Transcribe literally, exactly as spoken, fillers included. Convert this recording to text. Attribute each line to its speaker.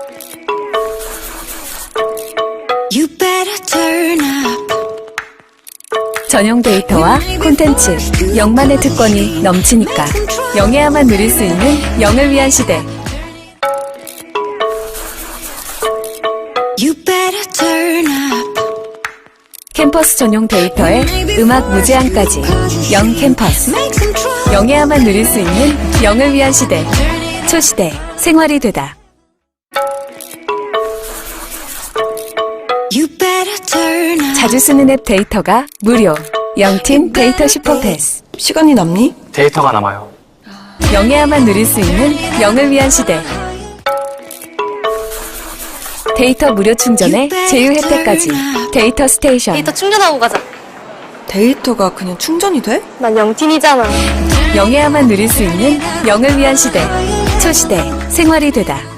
Speaker 1: You better turn up.
Speaker 2: 전용 데이터와 콘텐츠, 영만의 특권이 넘치니까 영해야만 누릴 수 있는 영을 위한 시대.
Speaker 1: You better turn up.
Speaker 2: 캠퍼스 전용 데이터에 음악 무제한까지 영 캠퍼스. 영해야만 누릴 수 있는 영을 위한 시대. 초시대 생활이 되다.
Speaker 1: You better turn up.
Speaker 2: 자주 쓰는 앱 데이터가 무료. 영팀 데이터 슈퍼패스.
Speaker 3: 시간이 남니?
Speaker 4: 데이터가 남아요.
Speaker 2: 영해야만 누릴 수 있는 영을 위한 시대. 데이터 무료 충전에 제휴 혜택까지. 데이터 스테이션.
Speaker 5: 데이터 충전하고 가자.
Speaker 3: 데이터가 그냥 충전이 돼?
Speaker 5: 난 영팀이잖아.
Speaker 2: 영해야만 누릴 수 있는 영을 위한 시대. 초시대 생활이 되다.